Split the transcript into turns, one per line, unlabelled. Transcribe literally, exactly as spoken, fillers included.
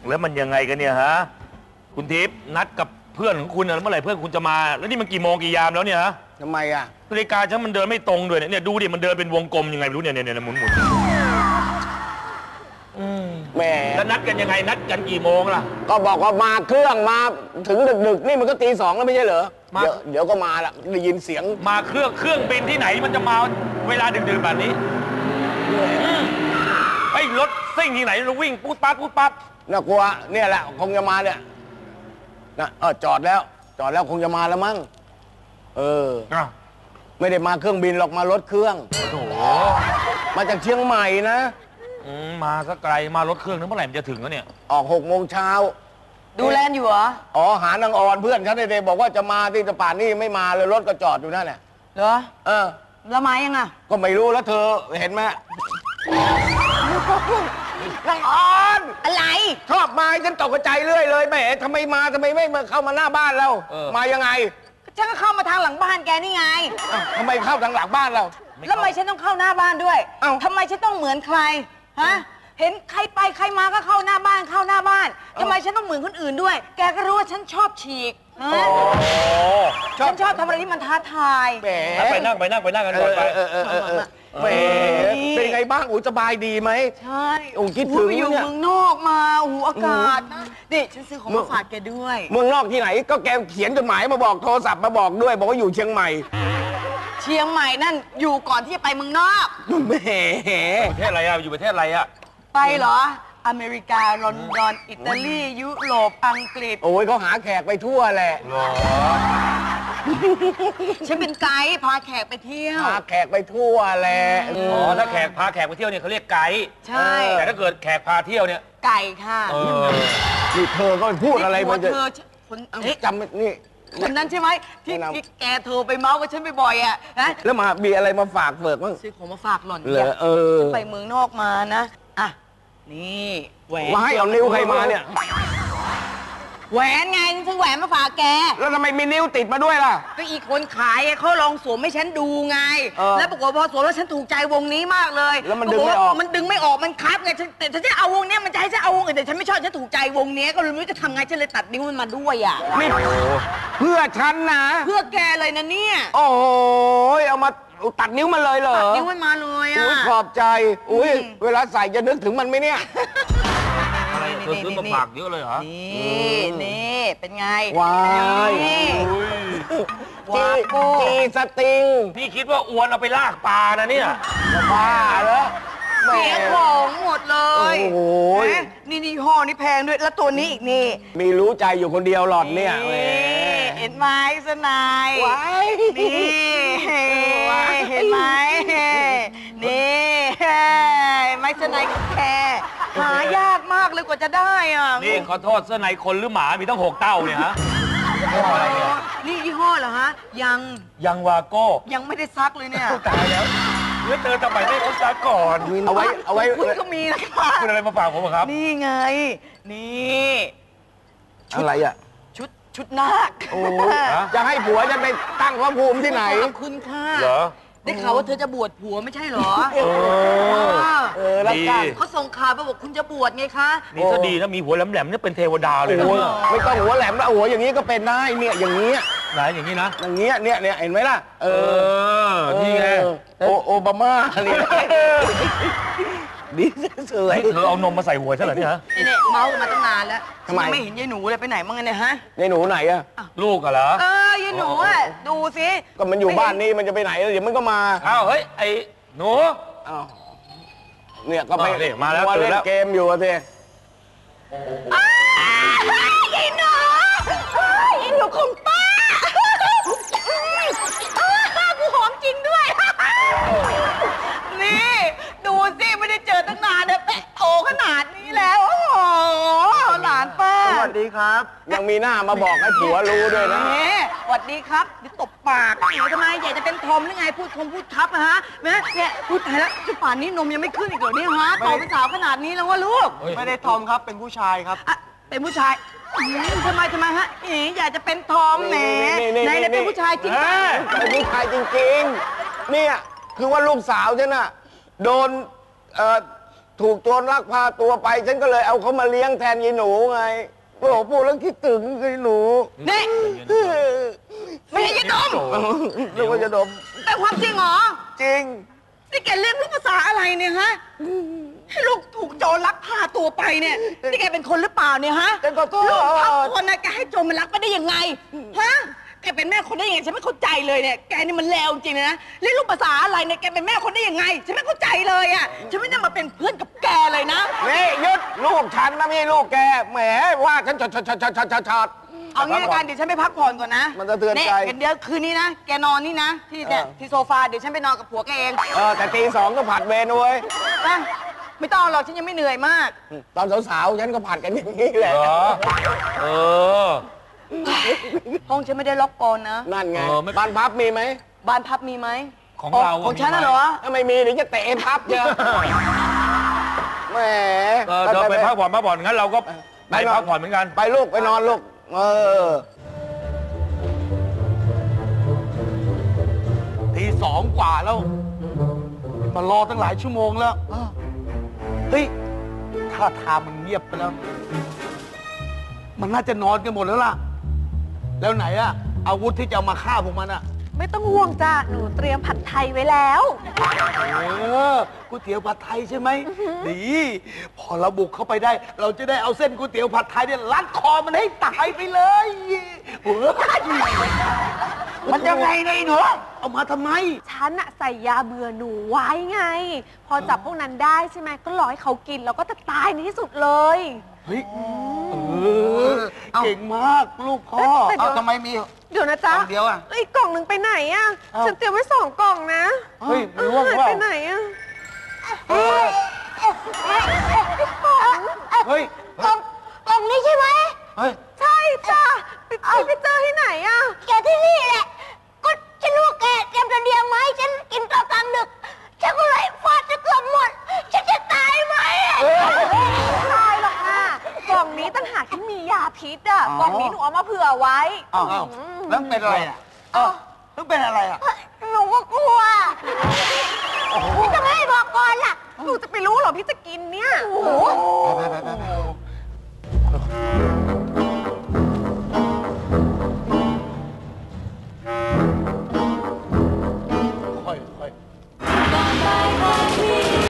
แล้วมันยังไงกันเนี่ยฮะคุณทิพย์นัดกับเพื่อนของคุณเมื่อไหร่เพื่อนคุณจะมาแล้วนี่มันกี่โมงกี่ยามแล้วเนี่ยฮะ
ทำไมอ่ะ
นาฬิกาฉันมันเดินไม่ตรงด้วยเนี่ยดูดิมันเดินเป็นวงกลมยังไงไม่รู้เนี่ยเนี่ยหมุนหมุน
แหม
แล้วนัดกันยังไงนัดกันกี่โมงล่ะ
ก็บอกว่ามาเครื่องมาถึงดึกๆนี่มันก็ตีสองแล้วไม่ใช่เหรอเดี๋ยวเดี๋ยวก็มาละได้ยินเสียง
มาเครื่องเครื่องบินที่ไหนมันจะมาเวลาดึกๆแบบนี้ไอ้รถซิ่งที่ไหนเราวิ่งปุ๊บปั๊บปุ๊บปั๊บ
น่ากลัวเนี่ยแหละคงจะมาเนี่ยนะเออจอดแล้วจอดแล้วคงจะมาแล้วมั้งเออไม่ได้มาเครื่องบินหรอกมารถเครื่อง
โอ้โห
มาจากเชียงใหม่นะ
มาสักไกลมารถเครื่องนั้นเมื่อไหร่มันจะถึงแล้วเนี่ย
ออกหกโมงเช้า
ดูแลอยู่เหรอ
อ๋อหานางออนเพื่อนฉันเด็กบอกว่าจะมาที่ตะป่านนี่ไม่มาเลยรถก็จอดอยู่นั่นแหละ
เหรอ
เออ
แล้วมายังอ่ะ
ก็ไม่รู้แล้วเธอเห็นไหมนางออน
อะไร
ชอบมาฉันตกใจเรื่อยเลยแหมทำไมมาทำไมไม่มาเข้ามาหน้าบ้านเรามายังไง
ฉันก็เข้ามาทางหลังบ้านแกนี่ไง
ทำไมเข้าทางหลังบ้านเรา
แล้วทำไมฉันต้องเข้าหน้าบ้านด้วยทำไมฉันต้องเหมือนใครฮะเห็นใครไปใครมาก็เข้าหน้าบ้านเข้าหน้าบ้านทำไมฉันต้องเหมือนคนอื่นด้วยแกก็รู้ว่าฉันชอบฉีกฉันชอบทำอะไรที่มันท้าทาย
ไปนั่งไปนั่งไปนั่งกันก่อนไป
แหมเป็นไงบ้างอู๋สบายดีไหม
ใช่
อู๋คิดถึง
อยู่เมืองนอกมาอู๋อากาศนะนี่ฉันซื้อของมาฝากแกด้วย
เมืองนอกที่ไหนก็แกเขียนจดหมายมาบอกโทรศัพท์มาบอกด้วยบอกว่าอยู่เชียงใหม่
เชียงใหม่นั่นอยู่ก่อนที่จะไปเมืองนอก
แหม
ประเทศอะไรอะอยู่ประเทศอะไรอะ
ไปเหรออเมริกาลอนดอนอิตาลียุโรปอังกฤษ
โอ้ยเขาหาแขกไปทั่วแหละ
ฉันเป็นไกด์พาแขกไปเที่ยว
พาแขกไปทั่วแหละ
อ๋อถ้าแขกพาแขกไปเที่ยวเนี่ยเขาเรียกไกด์
ใช่
แต่ถ้าเกิดแขกพาเที่ยวเนี่ย
ไก่ค่ะ
นี่เธอก็พูดอะไรมันจะ
คน
จำนี่
คนนั้นใช่ไหมที่แกโทรไปเมาส์กับฉันบ่อยๆอ่ะนะ
แล้วมามีอะไรมาฝากเฟิร์กบ้าง
ซื้อของมาฝากหล่อน
เนี่ยเออ
ไปเมืองนอกมานะอ่ะนี่แหวน
มาให้เอานิ้วใครมาเนี่ย
แหวนไงซื้อแหวนมาฝากแก
แล้วทำไมมีนิ้วติดมาด้วยล่ะ
ก็อีกคนขายเขาลองสวมให้ฉันดูไงแล้วปรากฏพอสวมแล้วฉันถูกใจวงนี้มากเลย
แล้วมันดึงไม่ออก
มันดึงไม่ออกมันคับไงแต่ฉันจะเอาวงนี้มันจะให้ฉันเอาวงอื่นแต่ฉันไม่ชอบฉันถูกใจวงนี้ก็เลยไม่รู้จะทำไงฉันเลยตัดนิ้วมันมาด้วยอ่ะ
นี่เพื่อฉันนะ
เพื่อแกเลยนะเนี่ย
โอ้ยเอามาตัดนิ้วมันเลยเหรอ
ตัดนิ้วมันมาเลยอ่ะ
ขอบใจอุ้ยเวลาใส่จะนึกถึงมันไหมเนี่ย
เธอซื้อมาฝากเยอะเลยเหรอ
นี่นี่เป็นไง
ว้ายจีจีสติง
พี่คิดว่าอวนเอาไปลากปลานะเนี่ย
บ้าเหรอ
เสียของหมดเลยโอ้ยนี่นี่ห่อนี่แพงด้วยแล้วตัวนี้อีกนี่
มีรู้ใจอยู่คนเดียวหลอดเนี่ย
เห็นไหมสนายนี่เห็นไหมนี่ไม้สนายแค่หายากมากเลยกว่าจะได้อ่ะ
นี่ขอโทษเสื้อในคนหรือหมามีตั้งหกเต้าเนี่ยฮะยี่ห้ออะไรเนี่ย
นี่ยี่ห้อเหรอฮะยัง
ยังวาโก้
ยังไม่ได้ซักเลยเนี่ย
ตายแล้วเมื่อเธอทำไมไม่ซักก่อน
เอาไว้เอาไว้
คุณก็มีนะคะ
คุณอะไรมาฝากผมครับ
นี่ไงนี่
อะไรอ่ะ
ชุดชุดนาค
โอ้จะให้ผัวจะไปตั้งพระภูมิที่ไหน
ขอบคุณค่ะ
เหรอ
ได้ข่าวว่าเธอจะบวชผัวไม่ใช่เหรอ
เออเออแล้วกัน
เขาส่งข่าวมาบอกคุณจะบวชไงคะ
นี่ถ้าดีนะมีหัวแหลมๆนี่เป็นเทวดาเลยนะ
ไม่ต้องหัวแหลมแล้วหัวอย่างนี้ก็เป็นได้เนี่ยอย่างนี้
ไหนอย่างนี้นะ
อย่างเงี้ยเนี่ยเนี่ยเห็นไหมล่ะ
เออนี่ไง
โอโอบามาเนี่ยดีสวย
เธอเอานมมาใส่หัวใช่เหรอเนี่ย
นี่เนี่ยเมาส์กันมาตั้งนานแล้วทำไมไม่เห็นยายหนูเลยไปไหนมั่งเนี่ยฮะ
ยายหนูไหนอะ
ลูกเหรอ
เออยายหนูอะดูสิ
ก็มันอยู่บ้านนี้มันจะไปไหนเดี๋ยวมันก็มา
อ้าวเฮ้ยไอ้หนู
อ้าวเนี่ยก็ไป
มาแล้ว
เล่นเกมอยู่อะเธ
อยายหนูยายหนูของป้ากูหอมจริงด้วยนี่ดูสิไม่ได้เจอตั้งนานเนี่ยแปะโตขนาดนี้แล้วโอ้โหหลานป้า
สวัสดีครับยังมีหน้ามาบอกให้ผัวรู้ด้วยนะ
สวัสดีครับเดี๋ยวตบปากเดี๋ยวทำไมอยากจะเป็นทอมหรือไงพูดทอมพูดทับอะฮะแม่เนี่ยพูดไทยแล้วจุดป่านนี้นมยังไม่ขึ้นอีกเหรอเนี่ยฮะโตเป็นสาวขนาดนี้แล้วว่าลูก
ไม่ได้ทอมครับเป็นผู้ชายครับ
เป็นผู้ชายทำไมทำไมฮะอีอยากจะเป็นทอมแหมไหนๆเป็นผู้ชายจริง
เป็นผู้ชายจริงๆเนี่ยคือว่าลูกสาวฉันน่ะโดนเอ่อถูกโจรลักพาตัวไป ฉันก็เลยเอาเขามาเลี้ยงแทนยายหนูไงโอ้โหพูดแล้วคิดถึงยายหนู
นี่ไม่ใช่ยายดม
นึกว่าจะดม
แต่ความจริงเหรอ
จริง
นี่แกเรียนรู้ภาษาอะไรเนี่ยฮะ ให้ลูกถูกโจรลักพาตัวไปเนี่ย นี่แกเป็นคนหรือเปล่าเนี่ยฮะ
เป็นขอโทษ
ลูกทับคนนะแกให้โจรมันลักไปได้ยังไง ฮะ แกเป็นแม่คนได้ยังไงฉันไม่เข้าใจเลยเนี่ย แกนี่มันเลวจริงนะเรียนรู้ภาษาอะไรเนี่ย แกเป็นแม่คนได้ยังไง ฉันไม่เข้าใจเลยอ่ะ ฉันไม่ได้มาเป็นเพื่อนกับแกเลยนะ
นี่ยึดลูกฉันนะไม่ใช่ลูกแก แหมว่าฉันชดชดชดชดชดชดชด
เอางี้ละกันเดี๋ยวฉันไปพักผ่อนก่อนนะ
มันสะเทือนใจ
เเดี๋ยวคืนนี้นะ แกนอนนี่นะ ที่เนี่ย
เออ
ที่โซฟา เดี๋ยวฉันไปนอนกับผัวแกเอง
เออแต่ตีสองก็ผัดเวรเว้ย
นะไม่ต้องหรอกฉันยังไม่เหนื่อยมาก
ตอนสาวๆฉันก็ผัดกันอย่างนี้แหละ
เหรอ เออ
ห้องฉันไม่ได้ล็อกกลอนนะ
นั่นไง
เออไม่
บ้านพับมีไหม
บ้านพับมีไหม
ของเรา
ของฉัน
มี
น่ะ
ไหม
เหรอ
ถ้าไม่มีเดี๋ยวจะเตะพับเยอะแหม
เออเธอไปพักผ่อนพักผ่อนงั้นเราก็ไปพักผ่อนเหมือนกัน
ไปลูกไปนอนลูก เออ
ตีสองกว่าแล้ว มารอตั้งหลายชั่วโมงแล้วเฮ้ยท่าทางมันเงียบไปแล้ว มันน่าจะนอนกันหมดแล้วล่ะ แล้วไหนอะอาวุธที่จะเอามาฆ่าพวกมันอะ
ไม่ต้องห่วงจ้ะ หนูเตรียมผัดไทยไว้แล้ว
เออก๋วยเตี๋ยวผัดไทยใช่ไหมดี พอเราบุกเข้าไปได้ เราจะได้เอาเส้นก๋วยเตี๋ยวผัดไทยเนี่ยลัดคอมันให้ตายไปเลยเฮ้ยมันยังไงเนี่ยไอ้หนูเอามาทำไม
ฉันอะใส่ยาเบื่อหนูไว้ไง พอจับพวกนั้นได้ใช่ไหมก็รอให้เขากินแล้วก็จะตายในที่สุดเลย
เฮ้ย เออ เก่งมากลูกพ่อ
แต่เดี๋ยว
เอาทำไมมี
เดี๋ยวนะจ๊ะ
กล่องเดียวอะ
แล้วอีกกล่องหนึ่งไปไหนอะ
เอ้า
ฉันเตรียมไว้สองกล่องนะ
เฮ้ยมันร่วง
หาย
เปล่า
ไปไหนอะ
เฮ้ย
กล่องกล่องนี้ใช่ไหม
เฮ้ย
ใช่จ้ะไปไปเจอที่ไหนอะ
แกที่นี่แหละ ก็ฉันรู้ว่าแกเตรียมจะเดียงไหมาให้ฉันกินตอนกลางดึก ฉันก็เลยฟาดจะเกือบหมด ฉันจะตายไหม
ไม่ตายหรอกค่ะกล่องนี้ตั้งหากที่มียาพิษอะกล่องนี้หนูเอามาเผื่อไว้
อ้าวแล้วเป็นอะไรอ่ะเออแล้วเป็นอะไรอ่ะ
หนูก็กลัวพี่จะไม่ให้บอกก่อนล่ะ
หนูจะไปรู้เหรอพี่จะกินเนี่ย
โอ้โห
ไปไปไปไป